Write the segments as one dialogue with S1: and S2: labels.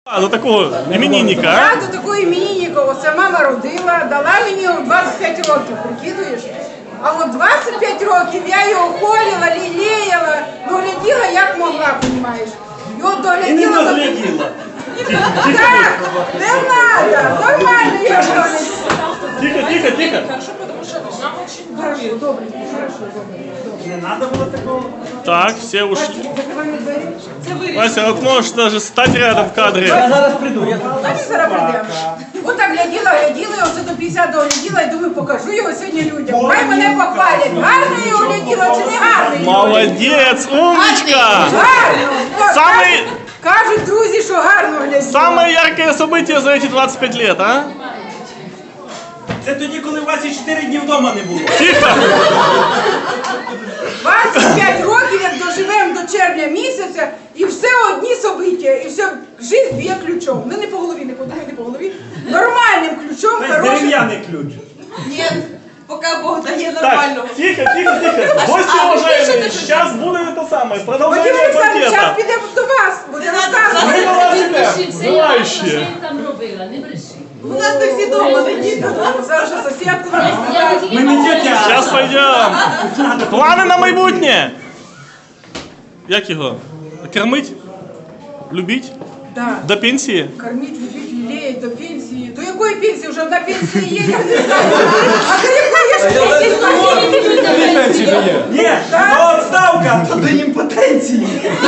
S1: До такого іменинника,
S2: Я
S1: а?
S2: до такого іменинника, оце мама родила, дала мені у 25 років, прикидуєш? А от 25 років я його холіла, лілеяла, догляділа як могла, розумієш? Його догляділа. Так, не треба, нормально я догляділа.
S1: Тихо.
S3: Хорошо, потому что нам очень
S2: Хорошо, добре, добре.
S4: Не надо было такого.
S1: Так, все ушли.
S2: Закриваємо двері.
S3: Це вирішено.
S1: Вася, вот можешь даже стать рядом в кадре.
S4: Я зараз прийду.
S2: Давай зараз прийдемо. От так гляділа, я оце до 50 догляділа і думаю, покажу його сьогодні людям. Хай мене похвалять. Гарно я його гляділа чи не гарно?
S1: Молодец, умничка!
S2: Гарно!
S1: Самый-
S2: Кажуть друзі, що гарно гляділа.
S1: Самое яркое событие за эти 25 лет, а?
S4: Це тоді, коли у вас і 4 дні вдома не було.
S1: Тихо!
S2: 25 років, як доживемо до червня місяця, і все одні собиття, і все, життя б'є ключом. Ну не по голові, не подумай, не по голові. Нормальним ключом,
S4: Тобто
S2: хорошим.
S4: дерев'яний ключ.
S3: Ні, поки Бог дає
S1: Так,
S3: нормально.
S1: тихо. Гости уважаемые, сейчас будет это самое,
S2: Вадим
S1: продолжение
S2: Олександрович, зараз
S1: банкета.
S2: підемо до вас, буде
S1: Мы
S2: розказувати.
S1: на вас
S5: Не
S1: тебя,
S5: бреши, все я
S1: желающие.
S5: що я там робила, не бреши.
S3: У нас не всі дома не діти.
S2: Зараз же сусідку нам
S5: Я
S2: розказує.
S5: тільки
S4: Ми не
S5: мала.
S4: тетя.
S1: Сейчас пойдем. Плани на майбутнє. Як його? Кормить? Любить?
S2: Да.
S1: До пенсії?
S2: Кормить, любить, лелеять до пенсії. До якої пенсії? Вже на пенсії є, я не знаю. А до якої ж пенсії?
S4: Ні, то відставка, то до імпотенції.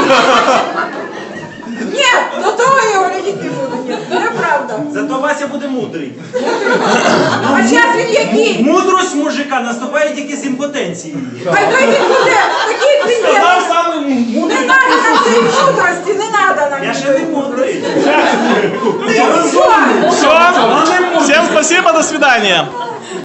S2: Ні, до того я його глядіти не буду. Ні, неправда.
S4: Зато Вася буде мудрий.
S2: А зараз він який?
S4: Мудрость мужика наступає тільки з імпотенції.
S2: Хай той він буде, такий ти є.
S1: Сказав самий
S2: Не
S1: мудрий.
S2: треба нам цієї мудрості, не треба нам.
S4: Я ще не мудрий.
S2: Ти що?
S1: Все, всем спасибо, до свидания.